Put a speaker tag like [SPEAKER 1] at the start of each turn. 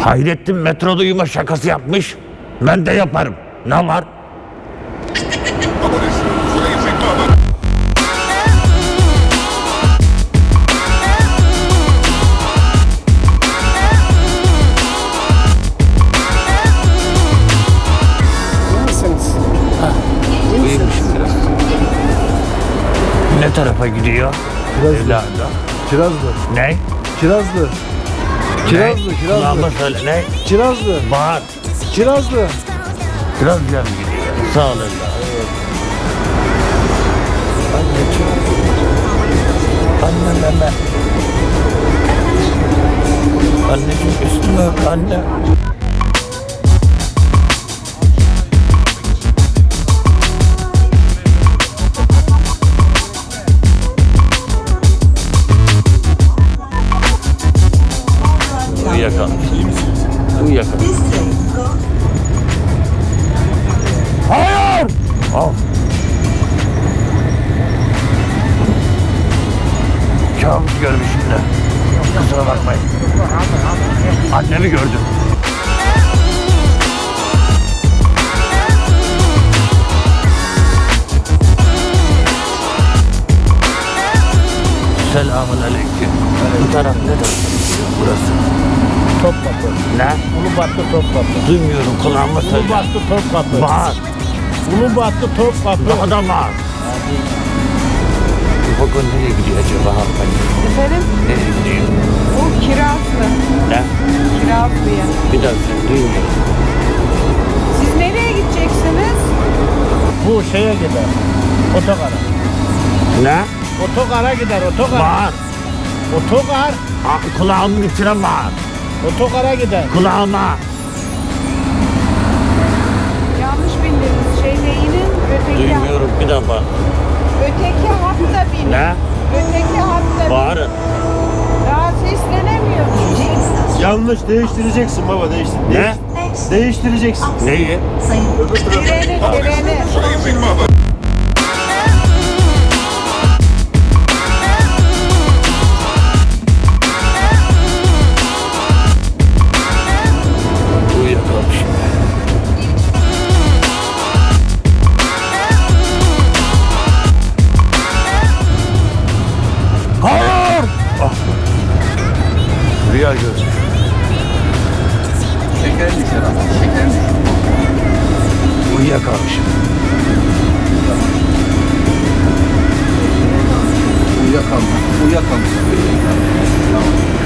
[SPEAKER 1] Hayrettin metroda uyuma şakası yapmış. Ben de yaparım. Ne var? Uyumuşum biraz. Ne tarafa gidiyor?
[SPEAKER 2] Kirazlı.
[SPEAKER 1] Evladım.
[SPEAKER 2] Kirazlı.
[SPEAKER 1] Ne?
[SPEAKER 2] Kirazlı. Kirazlı.
[SPEAKER 1] Ne?
[SPEAKER 2] Kirazlı.
[SPEAKER 1] Kulağıma söyle. Ne?
[SPEAKER 2] Kirazlı.
[SPEAKER 1] Bağır.
[SPEAKER 2] Kirazlı.
[SPEAKER 1] Kirazlı'ya mı gidiyor? Sağ ol evladım. Anne. Anneciğim üstüme öp anne. Uyuyakalmış. Uyuyakalmış. Hayır! Al. Kabus görmüşüm de. Kusura bakmayın. Annemi gördüm. Selamun aleyküm. Bu taraf ne taraf? Burası.
[SPEAKER 3] Topkapı.
[SPEAKER 1] Ne?
[SPEAKER 3] Ulubatlı Topkapı.
[SPEAKER 1] Duymuyorum, kulağıma söyle.
[SPEAKER 3] Ulubatlı Topkapı.
[SPEAKER 1] Bağır.
[SPEAKER 3] Ulubatlı Topkapı.
[SPEAKER 1] Daha da bağır. Bu vagon nereye gidiyor acaba hanımefendi?
[SPEAKER 4] Efendim?
[SPEAKER 1] Nereye gidiyor?
[SPEAKER 4] Bu Kirazlı.
[SPEAKER 1] Ne?
[SPEAKER 4] Kirazlı'ya.
[SPEAKER 1] Bir daha sen duymuyorum.
[SPEAKER 4] Siz nereye gideceksiniz?
[SPEAKER 3] Bu şeye gider. Otogara.
[SPEAKER 1] Ne?
[SPEAKER 3] Otogara gider. Otogara.
[SPEAKER 1] Bağır.
[SPEAKER 3] Otogar.
[SPEAKER 1] Kulağımın içine bağır.
[SPEAKER 3] Otogara gider.
[SPEAKER 1] Kulağıma.
[SPEAKER 4] Yanlış bindiniz. Şeyde inin.
[SPEAKER 1] Duymuyorum, bir daha bağır.
[SPEAKER 4] Öteki hatta binin.
[SPEAKER 1] Ne?
[SPEAKER 4] Öteki hatta binin.
[SPEAKER 1] Bağırın.
[SPEAKER 4] Daha seslenemiyorsunuz.
[SPEAKER 2] Yanlış, değiştireceksin baba, değiştir.
[SPEAKER 1] Ne?
[SPEAKER 2] Değiştireceksin.
[SPEAKER 1] Neyi?
[SPEAKER 2] Öbür tarafa.
[SPEAKER 4] Treni.
[SPEAKER 1] Uyuyakalmışım. Hayır! Ah. Rüya görmüş.
[SPEAKER 5] Şeker düşer ama. Şeker düşer.
[SPEAKER 1] Uyuyakalmışım.
[SPEAKER 5] Uyuyakalma. Uyuyakalma. Tamam.